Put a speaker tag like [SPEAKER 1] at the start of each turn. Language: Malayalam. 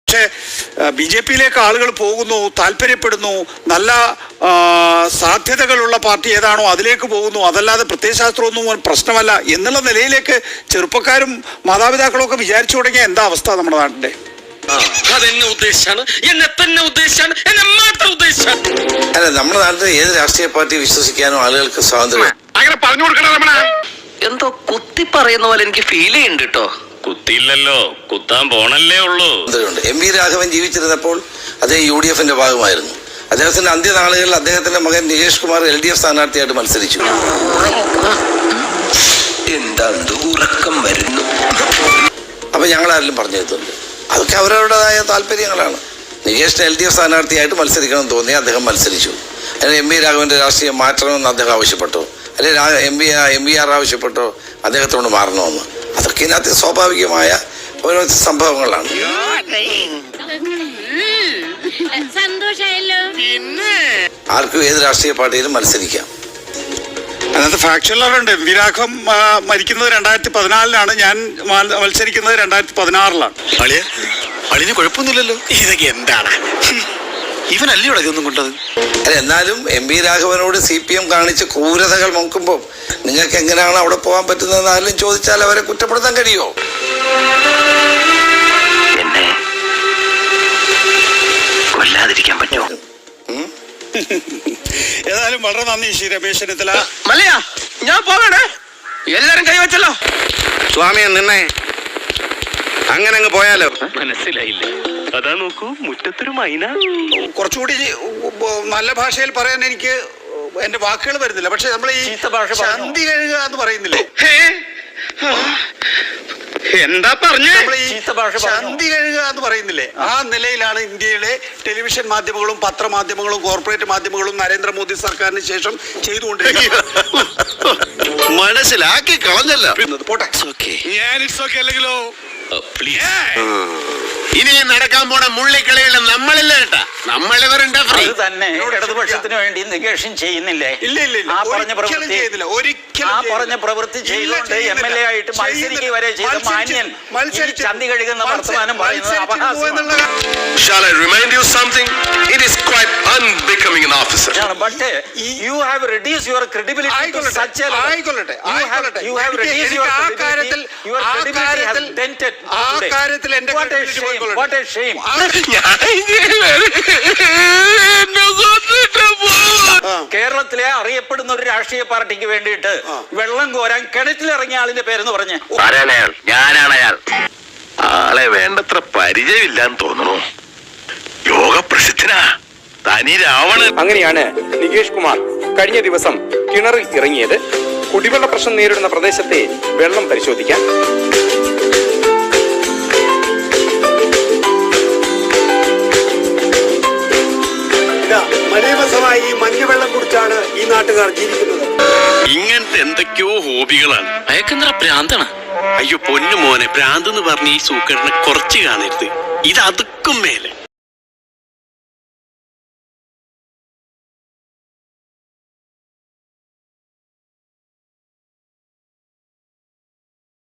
[SPEAKER 1] പക്ഷേ BJP-യിലേക്ക് ആളുകൾ പോകുന്നു, താല്പര്യപ്പെടുന്നു, നല്ല സാധ്യതകളുള്ള പാർട്ടി ഏതാണോ അതിലേക്ക് പോകുന്നു, അതല്ലാതെ പ്രത്യയശാസ്ത്രമൊന്നും പ്രശ്നമല്ല എന്നുള്ള നിലയിലേക്ക് ചെറുപ്പക്കാരും മാതാപിതാക്കളും ഒക്കെ വിചാരിച്ചു തുടങ്ങിയ എന്താ അവസ്ഥ നമ്മുടെ നാട്ടിന്റെ?
[SPEAKER 2] അതെന്നെ ഉദ്ദേശിച്ചാണ്, എന്നെ തന്നെ ഉദ്ദേശിച്ചാണ്, എന്നെ മാത്രം ഉദ്ദേശിച്ചാണ്.
[SPEAKER 3] അല്ല, നമ്മുടെ നാട്ടിൽ ഏത് രാഷ്ട്രീയ പാർട്ടി വിശ്വസിക്കാനും ആളുകൾക്ക് സ്വാതന്ത്ര്യം.
[SPEAKER 2] അങ്ങനെ പറഞ്ഞു കൊടുക്കണം. എന്തോ കുത്തി പറയുന്ന പോലെ എനിക്ക് ഫീൽ ചെയ്യുന്നുണ്ട് കേട്ടോ. കുത്തിയില്ലല്ലോ, കുത്താൻ പോണല്ലേ ഉള്ളൂ.
[SPEAKER 3] MP രാഘവൻ ജീവിച്ചിരുന്നപ്പോൾ അദ്ദേഹം UDF-ന്റെ ഭാഗമായിരുന്നു. അദ്ദേഹത്തിന്റെ അന്ത്യനാളുകളിൽ അദ്ദേഹത്തിന്റെ മകൻ നികേഷ് കുമാർ LDF സ്ഥാനാർത്ഥിയായിട്ട് മത്സരിച്ചു.
[SPEAKER 2] എന്താ ഉറക്കം വരുന്നു?
[SPEAKER 3] അപ്പൊ ഞങ്ങളാരെങ്കിലും പറഞ്ഞു തരുന്നുണ്ട്, അതൊക്കെ അവരവരുടേതായ താല്പര്യങ്ങളാണ്. നികേഷിന് LDF സ്ഥാനാർത്ഥിയായിട്ട് മത്സരിക്കണം എന്ന് തോന്നി അദ്ദേഹം മത്സരിച്ചു. അതിന് MP രാഘവന്റെ രാഷ്ട്രീയം മാറ്റണമെന്ന് അദ്ദേഹം ആവശ്യപ്പെട്ടു, അല്ലെങ്കിൽ MBR ആവശ്യപ്പെട്ടോ അദ്ദേഹത്തോട് മാറണമെന്ന്. അതൊക്കെ ഇതിനകത്ത് സ്വാഭാവികമായ ഓരോ സംഭവങ്ങളാണ്. ആർക്കും ഏത് രാഷ്ട്രീയ പാർട്ടിയിലും മത്സരിക്കാം.
[SPEAKER 1] അതിനകത്ത് ഫാക്ച്വലുണ്ട്. MP രാഘവൻ മരിക്കുന്നത് 2014-ലാണ്, ഞാൻ മത്സരിക്കുന്നത് 2016-ലാണ്.
[SPEAKER 4] അളിന് കുഴപ്പമൊന്നുമില്ലല്ലോ. ഇതൊക്കെ എന്താണ്? ഇവനല്ലേ ഇതൊന്നും കൊണ്ടത്?
[SPEAKER 3] അല്ല, എന്നാലും MP രാഘവനോട് CPM കാണിച്ച ക്രൂരതകൾ നോക്കുമ്പോൾ നിങ്ങൾക്ക് എങ്ങനെയാണ് അവിടെ പോകാൻ പറ്റുന്നതെന്ന് ആരും ചോദിച്ചാൽ അവരെ കുറ്റപ്പെടുത്താൻ കഴിയുമോ?
[SPEAKER 2] എന്നെ കൊല്ലാതിരിക്കാൻ പറ്റുമോ?
[SPEAKER 1] ഏതായാലും വളരെ നന്ദി ശ്രീ രമേശ് ചെന്നിത്തല.
[SPEAKER 2] മല്ലയാ, ഞാൻ പോകണേ. എല്ലാരും കൈവച്ചല്ലോ.
[SPEAKER 4] സ്വാമിയെ നിന്നെ അങ്ങനെ അങ്ങ് പോയാലോ?
[SPEAKER 2] മനസ്സിലായില്ല. അതാ നോക്കൂ, മുറ്റത്തൊരു മൈന.
[SPEAKER 1] കുറച്ചുകൂടി നല്ല ഭാഷയിൽ പറയാൻ എനിക്ക് എന്റെ വാക്കുകൾ വരുന്നില്ല. പക്ഷെ നമ്മൾ ഈ ചന്തി കഴുകുക എന്ന് പറയുന്നില്ലേ,
[SPEAKER 2] എന്താ പറഞ്ഞേ?
[SPEAKER 1] നമ്മൾ ഈ ചന്തി കഴുകുക എന്ന് പറയുന്നില്ലേ, ആ നിലയിലാണ് ഇന്ത്യയിലെ ടെലിവിഷൻ മാധ്യമങ്ങളും പത്രമാധ്യമങ്ങളും കോർപ്പറേറ്റ് മാധ്യമങ്ങളും നരേന്ദ്രമോദി സർക്കാരിന് ശേഷം ചെയ്തുകൊണ്ടിരിക്കുന്നത്.
[SPEAKER 4] മനസ്സിലാക്കി കളഞ്ഞല്ലോ.
[SPEAKER 1] പോട്ടെ,
[SPEAKER 4] അല്ലെങ്കിലോ ഇനി നടക്കാൻ പോണ മുള്ളിക്കളിയുള്ള നമ്മളില്ല കേട്ടാ. നമ്മളിവരുണ്ട്
[SPEAKER 5] തന്നെ ഇടതുപക്ഷത്തിന് വേണ്ടി നികേഷൻ ചെയ്യുന്നില്ലേ? ആ പറഞ്ഞ പ്രവൃത്തി ചെയ്തുകൊണ്ട് MLA ആയിട്ട് മത്സരിക്കുക വരെ ചെയ്ത മാന്യൻ ചന്തി കഴുകുന്ന വർത്തമാനം പറയുന്നത് അപഹാസ്യമാണ്.
[SPEAKER 4] Shall I remind you something? It is quite unbecoming an officer.
[SPEAKER 5] But you have reduced your credibility to such a level. You have reduced your credibility. Your credibility has dented. What a shame. കേരളത്തിലെ അറിയപ്പെടുന്ന ഒരു രാഷ്ട്രീയ പാർട്ടിക്ക് വേണ്ടിയിട്ട് വെള്ളം കോരാൻ കിണറ്റിലിറങ്ങിയ ആളിന്റെ പേരെന്ന് പറഞ്ഞ്.
[SPEAKER 4] ഞാനാണ് അയാൾ. ആളെ വേണ്ടത്ര പരിചയമില്ലാന്ന് തോന്നുന്നു. യോഗപ്രസിദ്ധനാ തനി രാവണൻ.
[SPEAKER 6] അങ്ങനെയാണ് നികേഷ് കുമാർ കഴിഞ്ഞ ദിവസം കിണറിൽ ഇറങ്ങിയത്. കുടിവെള്ള പ്രശ്നം നേരിടുന്ന പ്രദേശത്തെ വെള്ളം പരിശോധിക്കാൻ.
[SPEAKER 1] ഈ മഞ്ഞവെള്ളം കുടിച്ചാണ് ഈ നാട്ടുകാർ ജീവിക്കുന്നത്.
[SPEAKER 4] ഇങ്ങനത്തെ എന്തൊക്കെയോ ഹോബികളാണ്.
[SPEAKER 2] അയക്കെന്തറ ഭ്രാന്താണ്.
[SPEAKER 4] അയ്യോ പൊന്നു മോനെ, ഭ്രാന്ത് എന്ന് പറഞ്ഞ് ഈ സൂക്കറിനെ കുറച്ച് കാണരുത്. ഇത് അതുക്കും മേലെ.